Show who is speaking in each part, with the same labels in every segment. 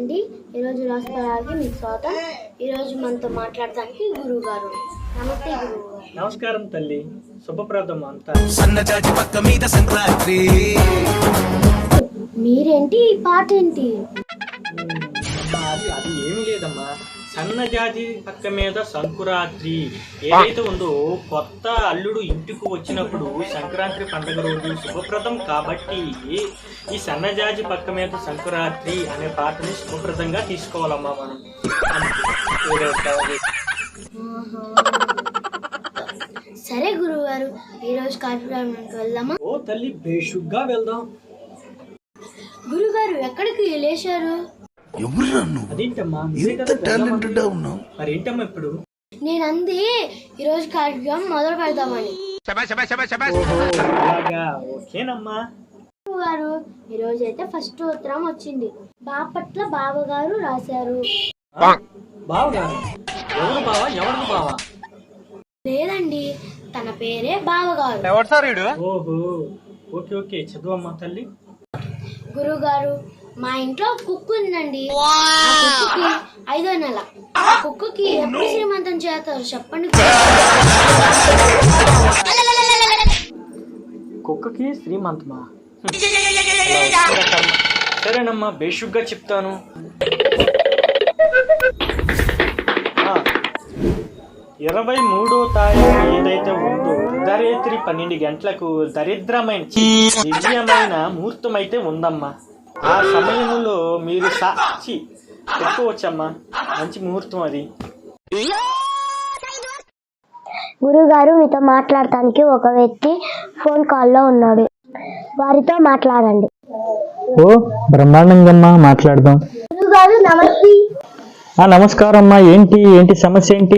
Speaker 1: అండి. ఈరోజు రాష్ట్రాలకి మీకు స్వాగతం. ఈరోజు మనతో మాట్లాడడానికి గురువు గారు. నమస్తే గురువు గారు.
Speaker 2: నమస్కారం తల్లి, శుభప్రదం అంతా.
Speaker 1: మీరేంటి ఈ పాట ఏంటి?
Speaker 2: అది ఏమి లేదమ్మా, సన్నజాజి పక్క మీద సంకురాత్రి ఏదైతే ఉందో, కొత్త అల్లుడు ఇంటికి వచ్చినప్పుడు సంక్రాంతి పండుగ రోజు శుభప్రదం కాబట్టి ఈ సన్నజాజి పక్క మీద సంకురాత్రి అనే పాటని శుభప్రదంగా తీసుకోవాలమ్మా మనం.
Speaker 1: సరే గురువు గారు, ఈరోజు కార్యక్రమానికి వెళ్దామా?
Speaker 2: ఓ తల్లి, బేషుగ్గా వెళ్దాం.
Speaker 1: గురుగారు ఎక్కడికి లేచారు?
Speaker 2: అదేంటమ్మా, మరేంటమ్మా ఇప్పుడు?
Speaker 1: నేను అంది ఈరోజు కార్యక్రమం మొదలు పెడదామని.
Speaker 2: ఓకేనమ్మా
Speaker 1: గారు, ఈరోజు అయితే ఫస్ట్ ఉత్తరం వచ్చింది. బాపట్ల బావగారు రాశారు.
Speaker 2: బావగారు? ఎవరు బావా? ఎవరు బావా?
Speaker 1: లేదండి, తన పేరే బావగారు.
Speaker 2: ఓహో, ఓకే ఓకే, చదువమ్మా తల్లి.
Speaker 1: గురువు గారు, మా ఇంట్లో కుక్కు ఉందండి. ఆ కుక్కుకి 5వ నెల. ఆ కుక్కుకి ఎప్పుడు శ్రీమంతం చేస్తారు చెప్పండి.
Speaker 2: కుక్కకి శ్రీమంతమా? సరేనమ్మా, బేషుగ్గా చెప్తాను. 23వ తారీఖు ఏదైతే ఉందో, అర్ధరాత్రి 12 గంటలకు దరిద్రమైన దివ్యమైన ముహూర్తం అయితే ఉందమ్మా. ఆ సమయంలో మీరు సాక్షి పెట్టుకోవచ్చమ్మా. మంచి ముహూర్తం అది.
Speaker 1: గురుగారు, మీతో మాట్లాడటానికి ఒక వ్యక్తి ఫోన్ కాల్లో ఉన్నాడు. వారితో మాట్లాడండి.
Speaker 2: ఓ బ్రహ్మాండంగా మాట్లాడదాం.
Speaker 1: గురుగారు నమస్తే.
Speaker 2: నమస్కారం అమ్మా. ఏంటి సమస్య ఏంటి?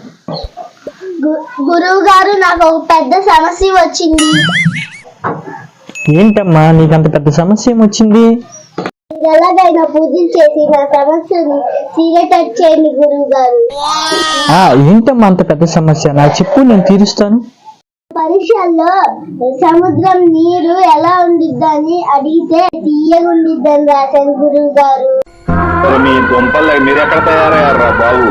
Speaker 1: గురువు గారు, నాకు ఒక పెద్ద సమస్య వచ్చింది.
Speaker 2: ఏంటమ్మా, నీకంత పెద్ద సమస్య ఏమొచ్చింది?
Speaker 1: ఎలాగైనా పూజలు చేసి నా సమస్యని తీరేటట్టు చేయండి గురువు గారు.
Speaker 2: ఏంటమ్మా అంత పెద్ద సమస్య? నాకు చెప్పు, నేను తీరుస్తాను.
Speaker 1: పరీక్షల్లో సముద్రం నీరు ఎలా ఉండిద్దని అడిగితే తీయగుండిద్దని రాశాను గురువు గారు.
Speaker 3: మీరెక్కడ తయారయ్యారా బాబు?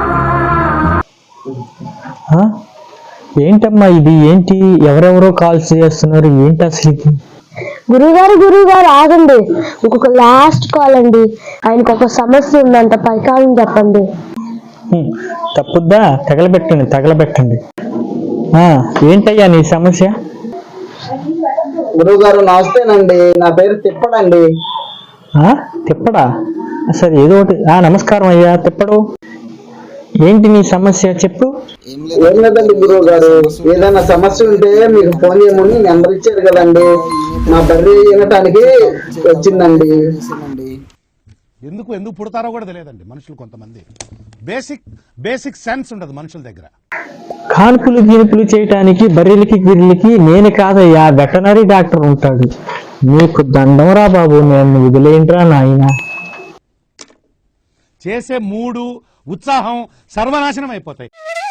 Speaker 2: ఏంటమ్మా ఇది? ఏంటి ఎవరెవరో కాల్స్ చేస్తున్నారు? ఏంటి అసలు?
Speaker 1: గురువుగారు ఆగండి, ఇంకొక లాస్ట్ కాల్ అండి. ఆయనకు ఒక సమస్య ఉందంట, పరికారం చెప్పండి.
Speaker 2: తప్పుద్దా? తగలబెట్టండి. ఏంటయ్యా నీ సమస్య?
Speaker 4: గురువు గారు నమస్తేనండి, నా పేరు తిప్పడండి.
Speaker 2: తిప్పడా? సరే, ఏదో ఒకటి. నమస్కారం అయ్యా తిప్పడు. ఏంటి నీ సమస్య చెప్పు.
Speaker 4: ఏం లేదండి గురువు గారు, ఏదైనా సమస్య ఉంటే మీకు ఫోన్ చేయమని నెంబర్ ఇచ్చారు కదండి, మా బర్రె వినటానికి వచ్చిందండి.
Speaker 5: ఎందుకు పుడతారో కూడా తెలియదండి మనుషులు. కొంతమంది బేసిక్ సెన్స్ ఉండదు మనుషుల దగ్గర.
Speaker 2: కాన్పులు గినుపులు చేయటానికి బర్రెలకి గిర్రెలకి నేను కాదయ్యా, వెటనరీ డాక్టర్ ఉంటాడు. నీకు దండంరా బాబు, నేను వదిలేంట్రా నాయన.
Speaker 5: చేసే మూడు ఉత్సాహం సర్వనాశనం అయిపోతాయి.